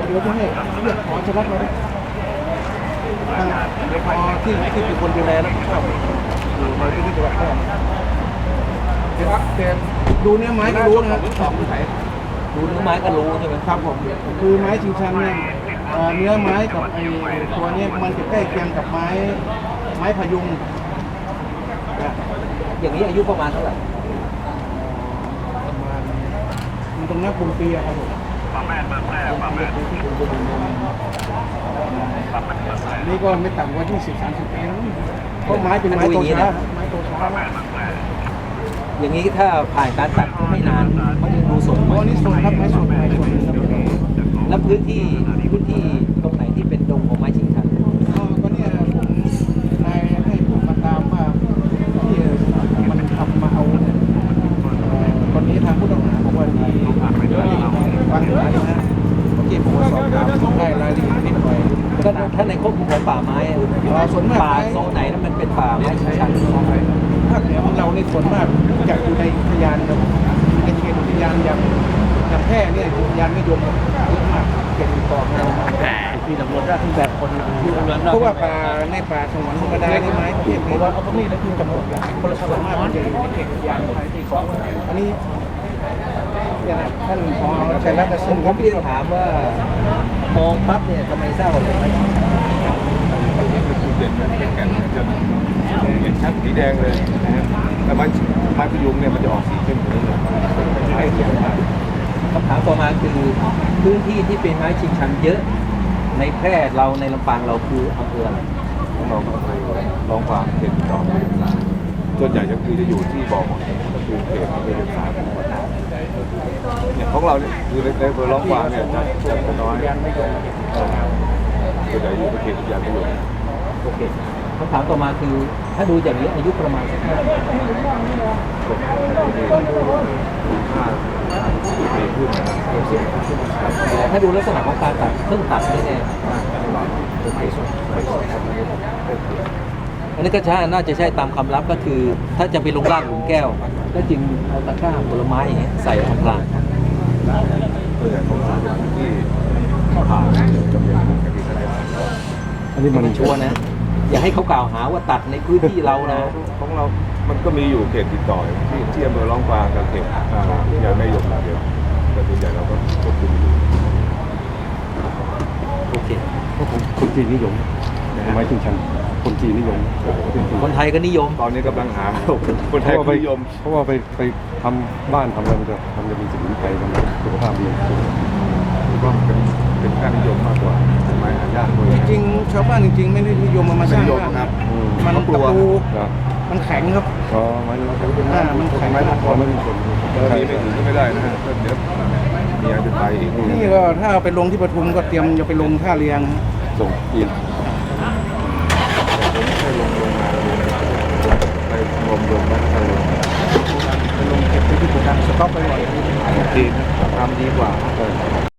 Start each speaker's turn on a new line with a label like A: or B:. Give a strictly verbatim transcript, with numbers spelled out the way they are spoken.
A: เดี๋ยวจะให้เรียกขอชลัดมาทางพอที่ที่เป็นคนดูแลแล้วก็อยู่ในพื้นที่จังหวัดแพร่เดี๋ยวเดี๋ยวดูเนื้อไม้ก็รู้นะครับ
B: ดูเนื้อไม้ก็รู้ใช่ไหม
A: ครับผมคือไม้ชิงชันเนี่ยเอ่อเนื้อไม้กับไอ้ตัวเนี้มันจะใกล้เคียงกับไม้ไม้พยุงนะ
B: อย่างนี้อายุประมาณเท่าไหร่
A: ประมาณมันตรงนั้นคุมปีอะครับผมนี่ก็ไม่ต่ำกว่ายี่สิบสามสิบปีแล้วเพราะไม้เป็นไม้โตช้าไม้โตช้า
B: อย่างนี้ถ้าผ่านการตัดก็ไม่นานมันยังดูสด
A: เพราะนี่สดครับไม้สดไม้สดครับ
B: แล้วพื้นที่พื้นที่ตรงไหนที่เป็นดงของไม้ชิงชัน
A: ก็ก็เนี่ยผมนายให้ผมมาตามว่าที่มันทำมาเอาเนี่ยเอ่อตอนนี้ทางผู้ต้องหาบอกว่ามีฟังอยู่นะฮะเมื่อกี้ผมก็สอบถามได้รายละเอียดนิดหน่อย
B: ก็ถ้าในควบคุมของป่าไม้อะ
A: อ่าส่วนมาก
B: ป่าสองไหนนั้นมันเป็นป่าไม้ชิงชัน
A: ภาคเหนือของเราในส่วนมากจะอยู่ในอุทยานครับในเขตอุทยานอย่างอย่างแพร่เนี่ยอุทยานนิยมเยอะมากเขตติดต่อของเราที่ตำรวจราชแบบคนเพราะว่าป่าในป่าสงวนธรรมดาในไม้เขตนี้ว่าเขาต้องมีแล้วคือจำนวนคนละส่วนมากมันจะอยู่ในเขตอุทยานที่สองอันนี้เนี่ยนะท่านพอชัยรัตน์
B: ผ
A: ซึ่ง
B: ม
A: ผ
B: ผม มเรียนถามว่ามองปั๊บเนี่ยทำไมทราบว่าเป็นไม้ชิงชัน
C: จุดเด่นมันเป็นแก่นมันจะเห็นชัดสีแดงเลยนะฮะแต่ไม้ไม้พยุงเนี่ยมันจะออกสีเข้มกว่านี้เลยไม้เขียวมาก
B: คำถามต่อมาคือพื้นที่ที่เป็นไม้ชิงชันเยอะในแพร่เราในลำปางเราคืออำเภออะไร
C: ของเราก็คือลองความเขตติดต่อกับสารส่วนใหญ่ก็คือจะอยู่ที่บ่อของก็คือเขตที่เป็นสารเนี่ยของเราเนี่ยคือในอำเภอลองความเนี่ยจะจะน้อยเออส่วนใหญ่อยู่ในเขตอุทยานประโยชน์
B: โอเคคำถามต่อมาคือถ้าดูอย่างนี้อายุประมาณสักเท่าไหร่
C: ห้าปีขึ้นนะครับ
B: แต่ถ้าดูลักษณะของการตัดเครื่องตัดนี่เนี่ย
C: โอเคสุดไปสุดครับโอเค
B: อันนี้ก็ใช่น่าจะใช่ตามคำรับก็คือ ถ้าจะไปลงล่างหลุมแก้ว ก็จึงเอาตะกร้าผลไม้อย่างเงี้ยใส่อำพราง
C: ส่วนใหญ่ของเราเป็นที่ผ่านจำเป็นกับที่ทะเล
B: อันนี้มันชัวร์นะ อย่าให้เขากล่าวหาว่าตัดในพื้นที่เรานะ
C: ของเรา มันก็มีอยู่เขตติดต่อที่ที่อำเภอร้องกวางกับเขตอ่ายายแม่ยมนาเดียวแต่ส่วนใหญ่เราก็ควบคุมอยู่
B: โอเค
D: คนจีนนิยมไม้ชิงชันคนจีนนิยม
B: คนไทยก็นิยม
C: ตอนนี้กำลังหาคนไทยนิยม
D: เพราะว่าไปไปทำบ้านทำอะไรมันจะทำจะมีสมุนไพรทำสุขภาพดี
C: ก็เป็นเป็นค่านิยมมากกว่าไม้หายากด้วย
A: จริงๆชาวบ้านจริงๆไม่ได้นิยมมามาสร้างบ้าน
C: ครับ
A: มัน
C: เขากลัว
A: ตะปู
D: นะ
A: มันแข็งครับ
D: ก็ไม้
A: อ่ามันแข็ง
C: ไม้
A: มาก
C: พอไม่มีคนมีไม่ถึงก็ไม่ได้นะฮะก็เดี๋ยวมีอันจะไปอีก
A: นี่ก็ถ้าเอาไปลงที่ปทุมก็เตรียมจะไปลงท่าเรียง
D: ส่งจีน
C: ให้ลงลงมาไปรวมรวมกันกันลง
A: ไปลงเก็บไปที่โกดังสต็อกไปก่อน
C: จีนทำดีกว่า